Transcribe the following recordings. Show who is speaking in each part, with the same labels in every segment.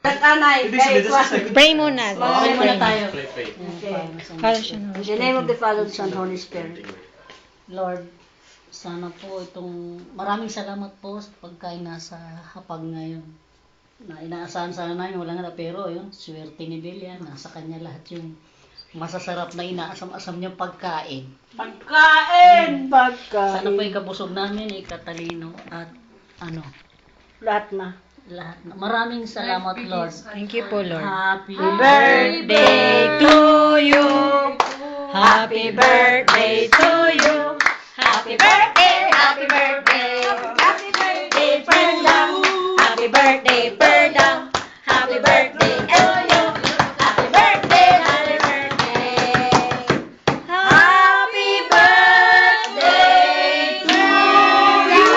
Speaker 1: Anay,
Speaker 2: Pray muna.
Speaker 1: Pray muna tayo.
Speaker 3: Pray.
Speaker 2: Para siya
Speaker 1: In the name of the Father, Son, Holy Spirit.
Speaker 4: Lord, sana po itong maraming salamat po sa pagkain nasa hapag ngayon. Na inaasahan sana namin, wala nga pero yun, swerte ni Belia, nasa kanya lahat yung masasarap na inaasam-asam niyang pagkain.
Speaker 1: Pagkain!
Speaker 4: Sana po ikabusog namin, ikatalino at
Speaker 1: Lahat na.
Speaker 4: lahat na. Maraming salamat, Lord.
Speaker 2: Thank you po, Lord.
Speaker 4: Happy
Speaker 2: Birthday to you. Happy birthday to you. Happy birthday, happy birthday. Happy birthday, Perdang. Happy birthday, Perdang. Happy birthday to you. Happy birthday, happy birthday. Happy birthday to you.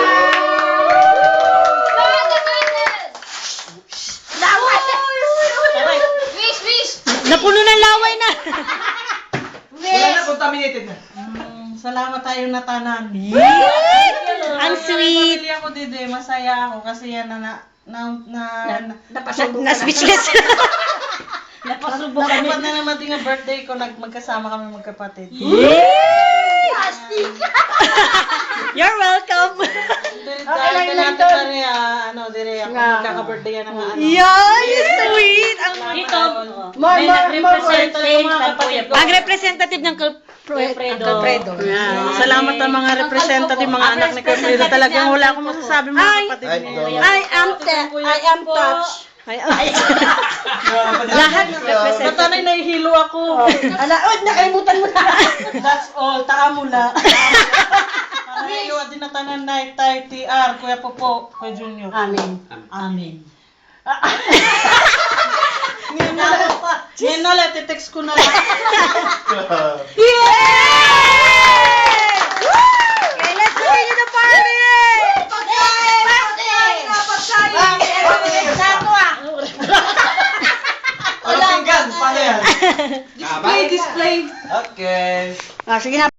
Speaker 2: Napuno ng laway na.
Speaker 5: Wala na, contaminated na.
Speaker 6: Salamat tayo na tanan.
Speaker 2: Ang sweet.
Speaker 6: Pamilya ko dito, masaya ako kasi yan
Speaker 2: Na-speechless.
Speaker 4: Napasubo kami.
Speaker 6: Dapat na naman din ang birthday ko, magkasama kami magkapatid.
Speaker 2: You're welcome.
Speaker 6: Dahil natin na rin, dire ako magkaka-birthday yan ng anak.
Speaker 2: Yan, sweet. Ang
Speaker 4: Dito, may nag-represent din ng Kuya Bo.
Speaker 2: ang representative ng Calpredo.
Speaker 6: Salamat ang mga representative, mga anak ni Carmelo. Talagang wala akong masasabi mga kapatid niya.
Speaker 1: I am touched.
Speaker 2: Lahat ng representative.
Speaker 6: Natanay nahihilo ako.
Speaker 1: Nakalimutan mo na.
Speaker 6: That's all. Taamula. Para iwa din na tanan na tay TR, Kuya Popo, Kuya Junior.
Speaker 1: Amen.
Speaker 6: Amen. Ngayon na lang, titext ko na lang.
Speaker 2: Yay! Okay, let's continue the party!
Speaker 5: Walang pinggan, paano yan?
Speaker 1: Display.
Speaker 5: Okay.
Speaker 1: Sige na.